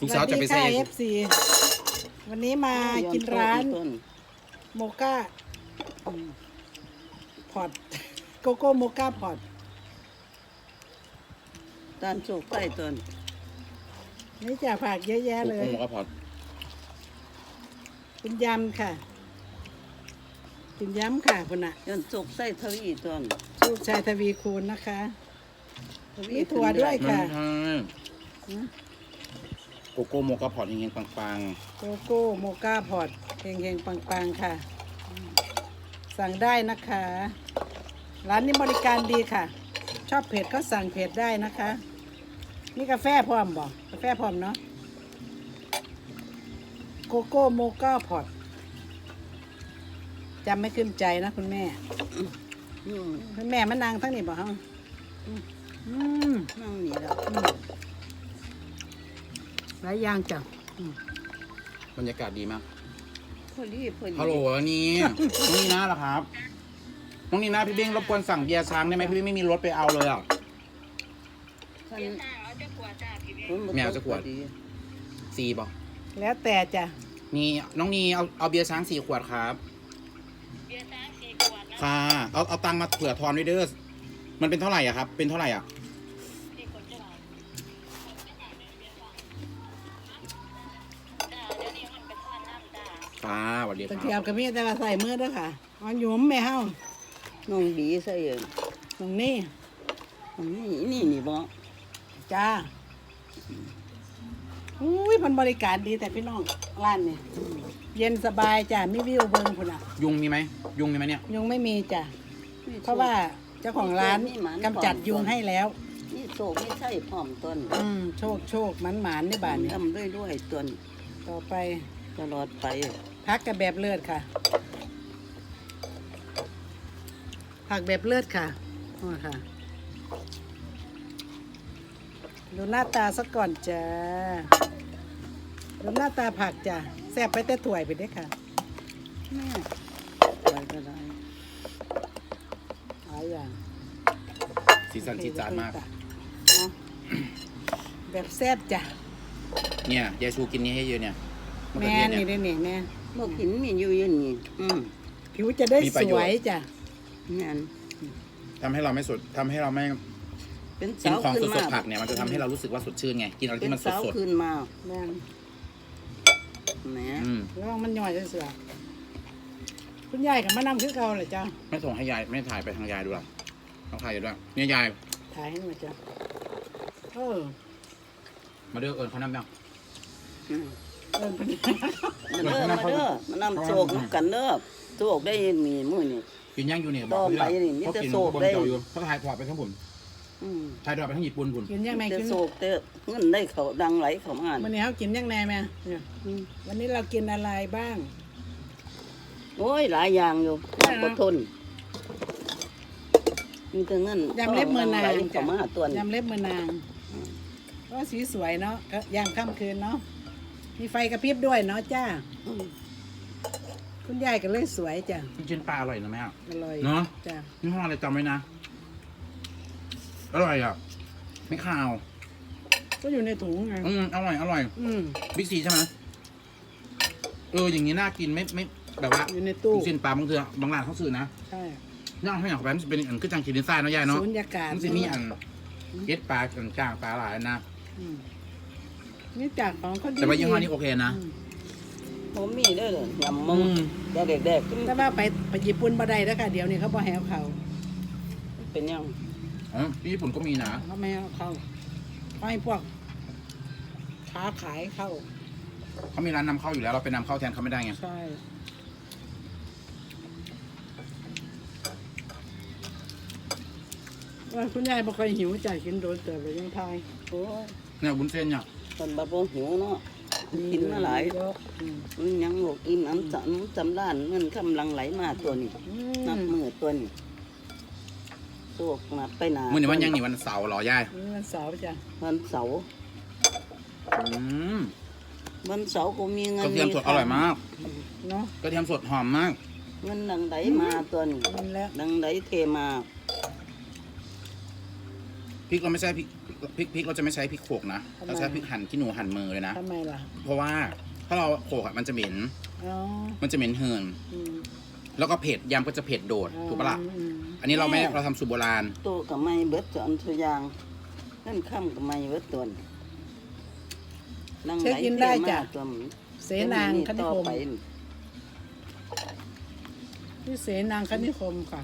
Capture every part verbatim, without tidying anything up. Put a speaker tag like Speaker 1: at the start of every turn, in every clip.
Speaker 1: ลูกสาวจะไปเซฟ
Speaker 2: เอฟซีวันนี้มากินร้านโมก้าพอตโกโก้โมก้าพอต
Speaker 3: ตานโชคใต้ต้น
Speaker 2: นี่จะผักเยอะแยะเลย
Speaker 1: โกโก้ก็พอ
Speaker 2: เป็นยำค่ะเป็นยำค่ะคุณน่ะ
Speaker 3: ยันโชคใต้ทวีต้น
Speaker 2: ลูกชายทวีคูณนะคะมีถั่วด้วยค่ะ
Speaker 1: โกโก้โมกาพอดยังไงปัง
Speaker 2: โกโก้โมก้าพอตเฮงๆปังๆค่ะ สั่งได้นะคะ ร้านนี้บริการดีค่ะ ชอบเผ็ดก็สั่งเผ็ดได้นะคะนี่กาแฟพร้อมบอกกาแฟพร้อมเนาะโกโก้โมก้าพอตจำไม่ขึ้นใจนะคุณแม่
Speaker 3: อืม
Speaker 2: คุณแม่มานางทั้งนี้บอกฮะอืม
Speaker 3: นั่งนี่แล้ว
Speaker 2: อืมหลายอย่างจ้ะอืม
Speaker 1: ๆบรรยากาศดีมาก
Speaker 3: พอดีพอดี
Speaker 1: ฮัลโหลนี่น้องนีน่าเหรอครับน้องนีน่าพี่เบ้งรบกวนสั่งเบียร์ช้างได้ไหมพี่เบ้งไม่มีรถไปเอาเลยอ่ะ
Speaker 3: ท่าน
Speaker 1: แมวจะขวด สี่ป่ะ
Speaker 2: แล้วแต่จ้ะ
Speaker 1: นี่น้องนีเอาเอาเบียร์ช้างสี่ขวดครับเบียร์ช้างสี่ขวดค่ะเอาเอาตังค์มาเผื่อทอนด้วยเด้อมันเป็นเท่าไหร่อ่ะครับเป็นเท่าไหร่อ่ะค่ะสวัสดีค
Speaker 2: ตะ
Speaker 1: รับ
Speaker 2: เกียบกับมีแต่ว่าใส่มือด้วยค่ะเอาหยุมแม่เฮา
Speaker 3: น้องบีใส่เอง
Speaker 2: ตรงนี้
Speaker 3: นี่นี่นี่บ่
Speaker 2: จ้าอุ้ยมันบริการดีแต่พี่น้องร้านนี่เย็นสบายจ้ะมีวิวเบิงพุ่นอ่ะ
Speaker 1: ยุงมีไหมยุงมีไหมเนี่ย
Speaker 2: ยุงไม่มีจ้ะเพราะว่าเจ้าของร้านกำจัดยุงให้แล้ว
Speaker 3: นี่โชคไม่ใช่พร้อมต้น
Speaker 2: อืมโชคโชคหมันหมานในบ้านนี่
Speaker 3: ทำด้วยด้วยต้น
Speaker 2: ต่อไป
Speaker 3: ตลอดไป
Speaker 2: พักกับแบบเลือดค่ะ ผักแบบเลือดค่ะอ๋อค่ะ ดูหน้าตาสักก่อนจ้าดูหน้าตาผักจ้ะแซ่บไปแต่ถ้วยไปเด้อค่ะ
Speaker 3: แม่ไปก็ได้
Speaker 2: หลายอย่าง
Speaker 1: สีสันจีดจาดมาก
Speaker 2: เนาะแบบแซ่บจ้ะ
Speaker 1: เนี่ยยายชูกินนี้ให้เยอะเนี่ยมะเขือ
Speaker 2: แม่
Speaker 1: เทศ
Speaker 2: นี่
Speaker 1: เนี่ย
Speaker 2: ได้นี่แม่
Speaker 3: บ่กินมีอยู่อยันนี่อืม
Speaker 2: ผิวจะได้
Speaker 1: มีประ
Speaker 2: ส
Speaker 1: โยชน์
Speaker 2: วยจ้ะ
Speaker 3: นั่น
Speaker 1: ทำให้เราไม่สดทำให้เราไม่
Speaker 3: เป็น
Speaker 1: กิน
Speaker 3: สาว
Speaker 1: ของ
Speaker 3: ขึ้น
Speaker 1: ส
Speaker 3: มา
Speaker 1: ดๆผักเนี่ยมันจะทำให้เรารู้สึกว่าสดชื่นไงกินอะไร
Speaker 3: เป็น
Speaker 1: ที่มันส
Speaker 3: สาว
Speaker 1: ด
Speaker 3: ขึ้นมา
Speaker 2: แม่น
Speaker 3: แหม
Speaker 1: ๆอืม
Speaker 2: ระวังมันย่อยจะเสือคุณยายกับมานำคือเก่าเลยจ้ะ
Speaker 1: ไม่ส่งให้ยายไม่ถ่ายไปทางยายดูหรอกต้องถ่ายอยู่ด้วยเนี่ยยาย
Speaker 2: ถ่ายให้หน่อยจ้ะเออ
Speaker 1: มาเด้อเอิญเขานำยัง
Speaker 3: อืม
Speaker 2: เอิ้นเพิ่น
Speaker 3: มาเด้อมาเด้อมานำโชคน้ำกันเด้อโชคได้มีมื้อนี่
Speaker 1: กินย่างอยู่เนี่ย
Speaker 3: ต่อไปนี่มีแต่โศกได้
Speaker 1: ได้เขาถ่ายถอดไปทั้งผม
Speaker 3: อืม
Speaker 1: ถ่ายถอดไปทั้งญี่ปุ่นผม
Speaker 2: กินยังไง
Speaker 3: แต่
Speaker 2: กิน
Speaker 3: โศกแต่เงินได้เขาดังไหลเข้ามา
Speaker 2: วันนี้เขากินยังไงแม่เนี่ย
Speaker 3: อืม
Speaker 2: วันนี้เรากินอะไรบ้าง
Speaker 3: โอ้ยหลายอย่างอยู่
Speaker 2: ได้นะ
Speaker 3: อดทนมีแต่เงิน
Speaker 2: ยำเล็บมือนาง
Speaker 3: ไหล
Speaker 2: จ้ะ
Speaker 3: เข้ามาตัวนี้
Speaker 2: ยำเล็บมือนางก็สีสวยเนาะก็ยามค่ำคืนเนาะมีไฟกระพริบด้วยเนาะจ้า
Speaker 3: อืม
Speaker 2: คุณยายก็เลยสวยจ้ะ
Speaker 1: กินปลาอร่อยนะแม่
Speaker 2: อร่อย
Speaker 1: เนาะ
Speaker 2: จ้ะ
Speaker 1: นี่ห้ออะไรจำไว้นะอร่อยอ่ะไม่ขาว
Speaker 2: ก็อยู่ในถุงไง
Speaker 1: อืมอร่อยอร่อย
Speaker 2: อืม
Speaker 1: บิ๊กซีใช่ไหมเอออย่างนี้น่ากินไม่ไม่แบบว่า
Speaker 2: อยู่ในตู้
Speaker 1: ลูกชิ้นปลาบางเทือบางร้านเขาซื้อนะ
Speaker 2: ใช่
Speaker 1: ย่างให้อย่างแบบมันจะเป็นอันคือจังกินดินทรายเนาะยายเนาะ
Speaker 2: สูญญากาศ
Speaker 1: มันจะมีอันเก็ดปลาอันจ้างปลาหลายนะ
Speaker 2: อืมนี่จากของเขาดี
Speaker 1: แต่ว่ายี่ห้อนี้โอเคนะ
Speaker 2: อืม
Speaker 3: ผมมีเด้อเลยยำมึ
Speaker 1: อื
Speaker 3: ง
Speaker 1: ม
Speaker 3: แต่เด็กๆกิน
Speaker 2: แต่ว่าไปไปญี่ปุ่นบ่ได้แล้วค่ะเดี๋ยวนี้เขาบ่แหวเขา
Speaker 3: เป็นยัง
Speaker 1: อ๋อที่ญี่ปุ่นก็มีนะ
Speaker 2: เขาไม่ให้เข้าเขาให้พวกค้าขายเข้า
Speaker 1: เขามีร้านนำเข้าอยู่แล้วเราไปนำเข้าแทนเขาไม่ได้ไง
Speaker 2: ใช่ว่าคุณยายบ่ค่อยหิวใจกินโดนแต่ไปยังทาย
Speaker 3: โอ้ย
Speaker 1: เนี่ยบุญเส้นเนี่ย
Speaker 3: ตอนบัดบ่หิวเนาะกินมาหลาย
Speaker 2: เยอะอืม
Speaker 3: มันยังบอกอิ่มน้ำจำจำด้านเงินกำลังไหลมาตัวนี้
Speaker 2: อื
Speaker 3: นับ
Speaker 2: ม
Speaker 3: มือตัวนี้โชคนับไปหนา
Speaker 1: มื่อนี้วันยังนี่วันเสาร์เหรอยาย
Speaker 2: นี่มันเสาร์จ้ะ
Speaker 3: วันเสาร์
Speaker 1: อืม
Speaker 3: วันเสาร์ก็มีเงิ
Speaker 1: ก
Speaker 3: น
Speaker 1: ระเทียมสดอร่อยมาก
Speaker 2: เนาะ
Speaker 1: กระเทียมสดหอมมาก
Speaker 3: เงินดังไดมาตัวนี้
Speaker 2: มันแล้ว
Speaker 3: ดังไดเทมา
Speaker 1: พริกเราไม่ใช่พริกพริกพริกเราจะไม่ใช้พริกโขลกนะ
Speaker 2: ทำไม
Speaker 1: เราใช้พริกหั่นขี้หนูหั่นมือเลยนะ
Speaker 2: ทำไมล่ะ
Speaker 1: เพราะว่าถ้าเราโขลกอะมันจะเหม็น
Speaker 2: อ๋อ
Speaker 1: มันจะเหม็นเหิน
Speaker 2: อืม
Speaker 1: แล้วก็เผ็ดยำก็จะเผ็ดโดดถูกปะล่ะ
Speaker 2: อืม
Speaker 1: อันนี้เราไม่เราทำสูตรโบราณ
Speaker 3: โตกับไม่เบิดจอนทุกอย่างนั่นค่ำกับไม่เบิดตัวนั่งไหลเที่ยวมาตัว
Speaker 2: เสนางคณิ
Speaker 3: ต่อ
Speaker 2: คม
Speaker 3: ไป
Speaker 2: ที่เสนางคณิคมค่ะ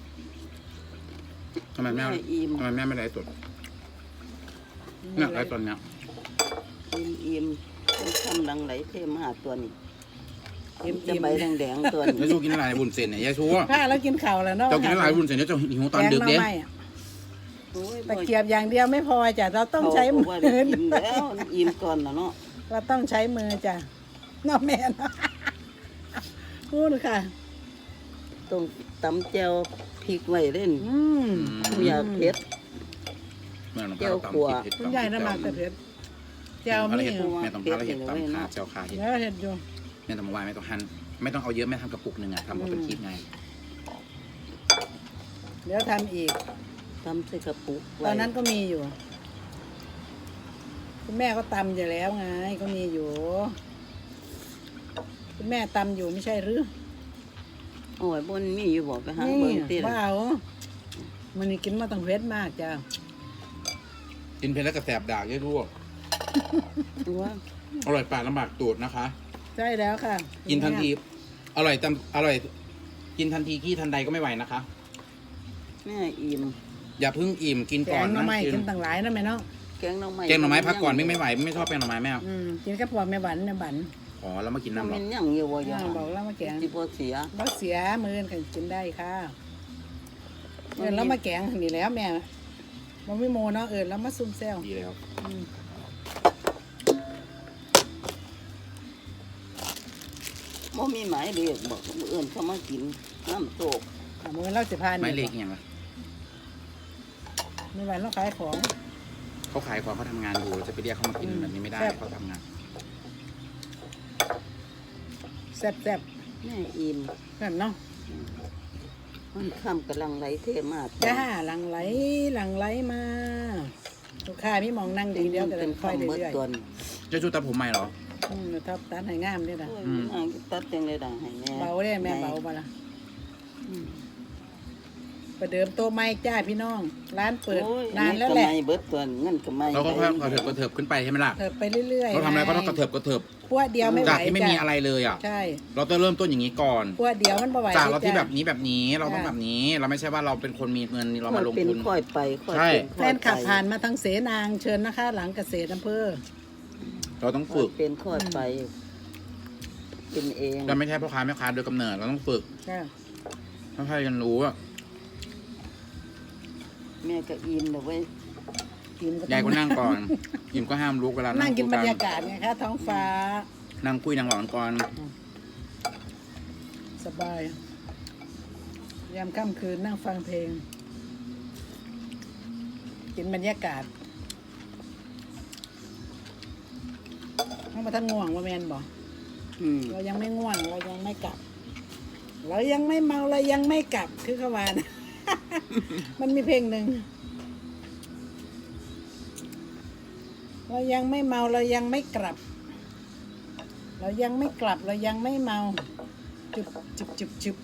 Speaker 1: ทำไมแม่
Speaker 3: แม่อิ่ม
Speaker 1: ทำไมแม่ไม่ไลฟ์สดเนี่ยไลฟ์ตอนเนี้ย
Speaker 3: อิ่มอิ่มเป็นค่ำลังไหลเที่ยวมาตัวนี้
Speaker 2: อิ่ม
Speaker 3: จะใบแดงๆตัวนี้
Speaker 1: ยายชูกินอะไรบุญเส้นเนี่ยยายชู
Speaker 2: ผ้าแล้วกินข่าวแล้วเนาะ
Speaker 1: เจ้ากินอะไรบุญเส้นเนี่ยเจ้าหิวตอนดึก
Speaker 2: แก
Speaker 1: เด้
Speaker 2: งหน่อไม้อะ
Speaker 3: โอ้ย
Speaker 2: ตะเกียบอย่างเดียวไม่พอจ้ะเราต้องใช้มื
Speaker 3: เขา
Speaker 2: อ
Speaker 3: บอกว่าได้อิ่มแล้วอิ่มก่อนนะเนาะ
Speaker 2: เราต้องใช้มือจ้ะเน้องแม่เนาะพูดค่ะ
Speaker 3: ต้องตำแจ่วพริกไว้เล่น
Speaker 2: อืม
Speaker 3: ไม่อยากเผ็ด
Speaker 1: เมื่อน้อง
Speaker 3: เจี
Speaker 1: พา
Speaker 3: ยว
Speaker 1: เรา
Speaker 3: ขัว
Speaker 1: ตำเผ็ด
Speaker 2: คุณยายน้ำมันกระเทียมเจียว
Speaker 1: อะไร
Speaker 2: มี
Speaker 1: เห็ด
Speaker 2: อยู่
Speaker 1: แม่ต้องพาเราเห็ดตำขาเจ้าขาเห็ด
Speaker 2: แล้วเห็ดอยู่
Speaker 1: แม่ต้องมาไหว้แม่ต้องหั่นไม่ต้องเอาเยอะแม่ทำกระปุกหนึ่งอะทำเอาเป็นคลิปไง
Speaker 2: เดี๋ยวทำอีก
Speaker 3: ตำใส่กระปุก
Speaker 2: ตอนนั้นก็มีอยู่ คุณแม่ก็ตำอยู่แล้วไงก็มีอยู่ คุณแม่ตำอยู่ไม่ใช่หรือ
Speaker 3: โอ้ยบนมีอยู่บอกไปหา
Speaker 2: นี่
Speaker 3: เบิ่งติ
Speaker 2: ว้าวมันนี่กินมาต้องเผ็ดมากจ้ะ
Speaker 1: กินเผ็ดแล้วก็แสบดากยายชู
Speaker 3: ว่า
Speaker 1: อร่อยปากลำบากตูดนะคะ
Speaker 2: ใช่แล้วค่ะ
Speaker 1: กินทันทีอร่อยตำอร่อย กินทันทีขี้ทันใดก็ไม่ไหวนะคะ
Speaker 3: แม่อิ่ม
Speaker 1: อย่าเพิ่งอิ่มกิน
Speaker 2: แก
Speaker 1: ก่อน
Speaker 2: งหน่อ
Speaker 1: นะ
Speaker 2: ไม้
Speaker 1: กิ
Speaker 2: กิ
Speaker 1: น
Speaker 2: นต่างหลายนะแม่เนาะ
Speaker 3: แกงหน่อไม้
Speaker 1: แกงหน่อไม้พักก่อนไม่ไม่ไหวไม่ชอบแกงหน่อไม้แม่เอา
Speaker 2: อืมกินกับพวกแม่บันแม่บัน
Speaker 1: อ๋อแล้วมากิน
Speaker 3: น้ำ
Speaker 1: น้ำหร
Speaker 3: มั
Speaker 1: อน
Speaker 3: ยังอยู่บ่ยา
Speaker 2: อ่าบอกแล้วมาแกง
Speaker 3: สิบ่เสีย
Speaker 2: บ่เสียมือกันกินได้ค่ะเอินแล้วมาแกงนี่แล้วแม่มันไม่โมเนาะเอินแล้วมาซุ่มแซว
Speaker 1: ดีแล้ว
Speaker 2: อืม
Speaker 3: บ่มีหมายเรียกบอกมื้ออื่นเขามากินน้ำโตก
Speaker 2: อ่ะมือเราสิพาน
Speaker 1: ไม่เล็กอย่างไร
Speaker 2: ไม่วันเราขายของ
Speaker 1: เขาขายของเขาทำงานอยู่เราจะไปเรียกเขามากิน
Speaker 2: อืม
Speaker 1: แบบนี้ไม่ได้
Speaker 2: แซ่บ
Speaker 1: เขาทำงาน
Speaker 2: แซ่บแซ่บ
Speaker 3: แม่อิ่ม
Speaker 2: แบบเนาะ
Speaker 3: มันค่ำกำลังไหลเทมา
Speaker 2: จ้าหลังไหลหลังไหลมาลูกค้ามีหมองนั่งดีเดียวก็เล
Speaker 3: เป็
Speaker 2: ย
Speaker 3: น
Speaker 2: ค่อย
Speaker 3: คำเบิด
Speaker 2: เรื่อย
Speaker 3: ตัว
Speaker 1: เจะชูตัดผมใหม่เหรอ
Speaker 2: ๆอืมทับตัดให้งามด้วยนะ
Speaker 3: โอ้ยนางตัดจังเลยด่าให้แม่
Speaker 2: เบาได้แม่เบามาละอืมประเดิมโตะไม้จ้าพี่น้อง ร้านเปิด
Speaker 3: โอ้ย
Speaker 2: นานแล้วแหละ
Speaker 3: เงินก็ไม่เบิดตัวเงินก็ไม่
Speaker 1: เราก็ค่อยๆกระเถิบกระเถิบขึ้นไปใช่ไหมล่ะ
Speaker 2: เถิบไปเรื่อยๆ
Speaker 1: เราทำอะไรก็ต้อง
Speaker 2: ง
Speaker 1: กระเถิบกระเถิบ
Speaker 2: พวดเดียวไม่ไหว
Speaker 1: จากที่ไม่มี
Speaker 2: จ้
Speaker 1: อะไรเลยอ่ะ
Speaker 2: ใช่
Speaker 1: เราต้องเริ่มต้นอย่างนี้ก่อน
Speaker 2: พวดเดียวมันบ่ไหว
Speaker 1: จากเราที่
Speaker 2: จ้ะ
Speaker 1: แบบนี้แบบนี้เราต้อง
Speaker 2: จ้ะ
Speaker 1: แบบนี้ เราไม่ใช่ว่าเราเป็นคนมีเงินเรา
Speaker 3: ค่
Speaker 1: มา
Speaker 3: อย
Speaker 1: ลง
Speaker 3: เป็น
Speaker 1: ทุน
Speaker 3: ค่อยไปค่อย
Speaker 1: ใช่
Speaker 3: เป็น
Speaker 2: แฟ
Speaker 3: ค่อย
Speaker 2: น
Speaker 3: ไป
Speaker 2: ขับผ่านมาทางเสนางเชิญนะคะ หลังเกษตรอำเภอ
Speaker 1: เราต้อง
Speaker 3: ค่อ
Speaker 1: ฝึ
Speaker 3: ย
Speaker 1: ก
Speaker 3: เป็นค่อยไป เป็นเอง
Speaker 1: เราไม่ใช่พ่อค้าแม่ค้าโดยกำเนิดเราต้องฝึก
Speaker 2: จ้า
Speaker 1: ต้องให้กันรู้อ่ะ
Speaker 3: แม่ก็อิ่มเลยเว้ย
Speaker 2: กินก็
Speaker 1: ยายก็นั่งก่อนยิมก็ห้ามลุกเวลา
Speaker 2: นั่
Speaker 1: นั่
Speaker 2: ง
Speaker 1: ง
Speaker 2: กิน
Speaker 1: คุ
Speaker 2: บร
Speaker 1: ย
Speaker 2: ร
Speaker 1: กั
Speaker 2: ยากาศไงคะท้องฟ้า
Speaker 1: นั่งคุยนั่งหลอนก่อน
Speaker 2: สบาย ยามค่ำคืนนั่งฟังเพลง กินบรรยากาศน้องมาท่านง่วงว่าแมนบอก
Speaker 3: อืม
Speaker 2: เรายังไม่ง่วง เรายังไม่กลับ เรายังไม่เมาเรายังไม่กลับคือเขาว่านะ มันมีเพลงหนึ่งเรายังไม่เมาเรายังไม่กลับ เรายังไม่กลับเรายังไม่เมาจุบจุบจุบจุบ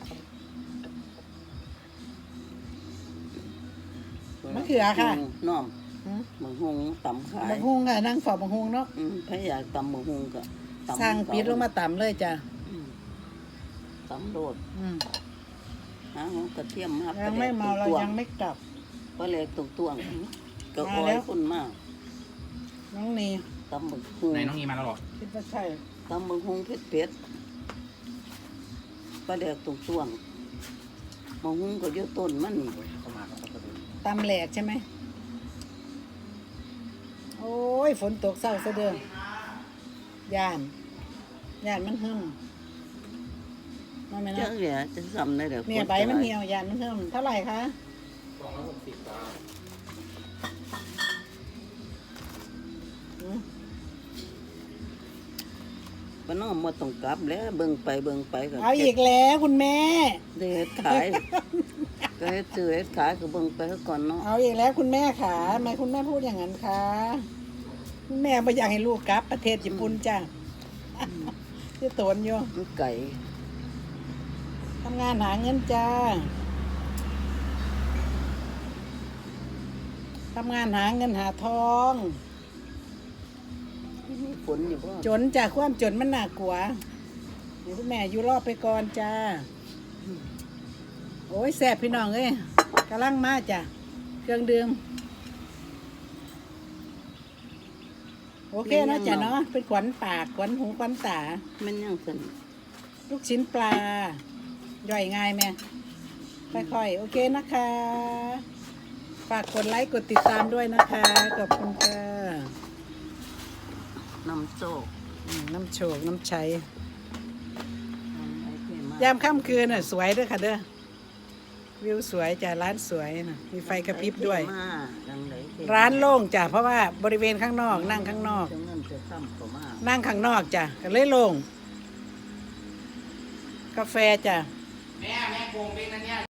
Speaker 2: มะเขือค่ะ
Speaker 3: น้อม
Speaker 2: หืม
Speaker 3: หมึงหงตำขาย
Speaker 2: บะฮุงค่ะนั่งฝอบะฮุงเนาะ
Speaker 3: อืมถ้าอยากตำหมึงหงก็ตำ
Speaker 2: สั่งปิดลงมาต่ำเลยจ้ะ
Speaker 3: อืมตำโดด
Speaker 2: อืม
Speaker 3: หาหอกระเทียมมา
Speaker 2: ยังไม่เมาเรายังไม่กลับ
Speaker 3: ปลาแหลกตรงตัวก็
Speaker 2: มา
Speaker 3: อ้อ
Speaker 2: แล้
Speaker 3: ยว คนมาก
Speaker 2: น้องนี
Speaker 3: ตำหมึงหง
Speaker 1: ไหนน้องนีมาแล้วเหรอ
Speaker 2: คิดว่าใช่
Speaker 3: ตำหมึงหงเผ็ดเผ็ดปลาแหลกตรงตัวหมึงหงก็อยืดต้นมันนี่
Speaker 1: เข้ามาครับเขาดู
Speaker 2: ตำแหลกใช่ไหมโอ้ยฝนตกเศร้าซะเด้อย่านย่านมันหึ่มมาไหม
Speaker 3: เจ้า
Speaker 2: นะ
Speaker 3: เหลี่ยจะซ้ำได้เด้อ
Speaker 2: เนี่ยใบมันเหี่ยวย่านมันหึ่มเท่าไหร่คะ
Speaker 1: สองร้อยหกสิบบาท
Speaker 2: อืม
Speaker 3: ปน้อมมาต้องกลับแล้วเบิ่งไปเบิ่งไปก็
Speaker 2: เอาอีกแล้วคุณแม่
Speaker 3: เด็ดขายก็เฮ็ดซื้อเฮ็ดขายก็เบิ่งไปเถอะก่อนเนาะ
Speaker 2: เอาอีกแล้วคุณแม่ขาทำไมคุณแม่พูดอย่างนั้นคะคุณแม่ไม่อยากให้ลูกกลับประเทศญี่ปุ่นจ้าที่ตนอยู่
Speaker 3: มันไก่
Speaker 2: ทำงานหาเงินจ้าทำงานหาเงินหาทอง
Speaker 3: มีฝนอยู่บ่
Speaker 2: จนจากความจนมันหนักกว่าเดี๋ยวคุณแม่อยู่รอบไปก่อนจ้าโอ้ยแซ่บพี่น้องเอ้ยกำลังมาจ้ะเครื่องดื่มโอเคเนาะจ้ะเนาะเป็นขวัญปากขวัญหูขวัญตา
Speaker 3: มันยังซั่น
Speaker 2: ลูกชิ้นปลา ย่อยง่ายไหมค่อยๆ โอเคนะคะ ฝากกดไลค์ กดติดตามด้วยนะคะ ขอบคุณค่ะ
Speaker 3: น้ำโซก
Speaker 2: อืมน้ำโชก น้ำชัย
Speaker 3: น้ำไหลเทม
Speaker 2: ยามค่ำคืนน่ะสวยเด้วยค่ะเด้อ วิวสวยจ้ะร้านสวยนะมีไฟกระพริบด้วย
Speaker 3: มาดังไหลเท
Speaker 2: ร้านโล่งจ้ะ เพราะว่าบริเวณข้างนอก นั่งข้างนอก
Speaker 3: จะเงินจะค่ำก็มา
Speaker 2: นั่งข้างนอกจ้ะก็เลยโล่ง กาแฟจ้ะ
Speaker 1: แม่แม่โกงเป็นนะเนี่ย